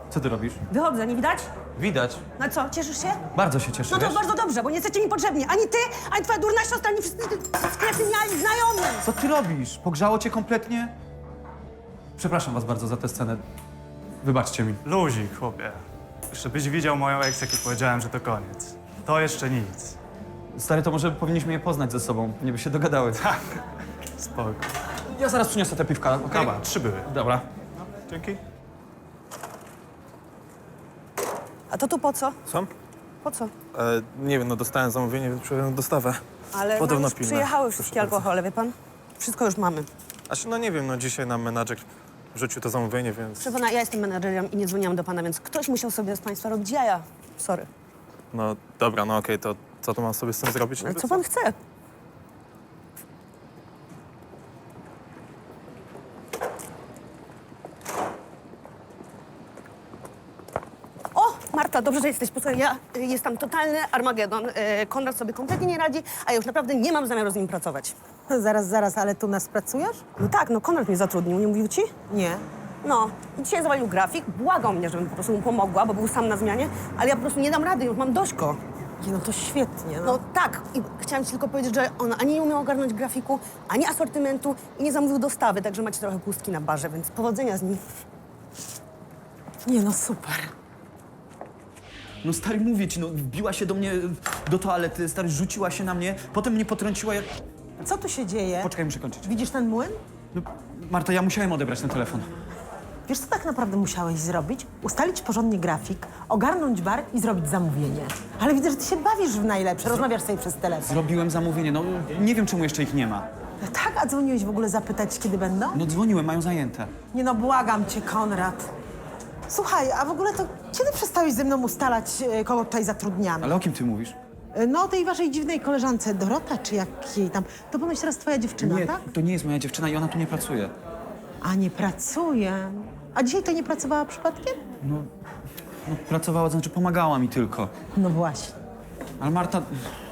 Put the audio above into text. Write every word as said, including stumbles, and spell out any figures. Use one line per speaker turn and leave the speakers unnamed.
Co ty robisz?
Wychodzę, nie widać?
Widać.
No co, cieszysz się?
Bardzo się cieszę,
No to
wiesz?
bardzo dobrze, bo nie jesteście mi potrzebni. Ani ty, ani twoja durna siostra, ani wszyscy sklepieniali znajomi.
Co ty robisz? Pogrzało cię kompletnie? Przepraszam was bardzo za tę scenę. Wybaczcie mi.
Luzik, chłopie. Żebyś widział moją ex, jak powiedziałem, że to koniec. To jeszcze nic.
Stary, to może powinniśmy je poznać ze sobą. Nie by się dogadały.
Tak. Spoko.
Ja zaraz przyniosę te piwka, okej?
Dobra, trzy były.
Dobra.
Dzięki.
A to tu po co?
Co?
Po co?
E, nie wiem, no dostałem zamówienie, więc przyjąłem dostawę.
Ale nam
Podobno
już
pilne.
przyjechały wszystkie
Proszę bardzo.
alkohole, wie pan? Wszystko już mamy.
Aż no nie wiem, no dzisiaj nam menadżer wrzucił to zamówienie, więc
Proszę pana, ja jestem menadżerem i nie dzwoniłam do pana, więc ktoś musiał sobie z państwa robić jaja. Sorry.
no dobra, no okej, to co tu mam sobie z tym zrobić?
Ale
niby?
co pan chce? O, Marta, dobrze, że jesteś. Posłuchaj, ja y, jest tam totalny Armagedon. Y, Konrad sobie kompletnie nie radzi, a ja już naprawdę nie mam zamiaru z nim pracować.
Zaraz, zaraz, ale tu nas pracujesz?
No tak, no Konrad mnie zatrudnił, nie mówił ci?
Nie.
No, i dzisiaj zawalił grafik, błagał mnie, żebym po prostu mu pomogła, bo był sam na zmianie, ale ja po prostu nie dam rady, już mam dość go.
Nie, no to świetnie, no.
No tak, i chciałam ci tylko powiedzieć, że on ani nie umiał ogarnąć grafiku, ani asortymentu i nie zamówił dostawy, także macie trochę pustki na barze, więc powodzenia z nim.
Nie, no super.
No stary, mówię ci, no wbiła się do mnie do toalety, stary, rzuciła się na mnie, potem mnie potrąciła jak...
Co tu się dzieje?
Poczekaj, muszę kończyć.
Widzisz ten młyn?
No, Marta, ja musiałem odebrać ten telefon.
Wiesz, co tak naprawdę musiałeś zrobić? Ustalić porządnie grafik, ogarnąć bar i zrobić zamówienie. Ale widzę, że ty się bawisz w najlepsze, rozmawiasz sobie przez telefon.
Zrobiłem zamówienie, no nie wiem, czemu jeszcze ich nie ma.
No tak, a dzwoniłeś w ogóle zapytać, kiedy będą?
No dzwoniłem, mają zajęte.
Nie no, błagam cię, Konrad. Słuchaj, a w ogóle to kiedy przestałeś ze mną ustalać, e, kogo tutaj zatrudniamy?
Ale o kim ty mówisz?
E, No, tej waszej dziwnej koleżance Dorota, czy jak jej tam. To ponoć teraz twoja dziewczyna,
Nie,
tak?
to nie jest moja dziewczyna i ona tu nie pracuje.
A nie pracuje. A dzisiaj to nie pracowała przypadkiem?
No pracowała, to znaczy pomagała mi tylko.
No właśnie.
Ale Marta,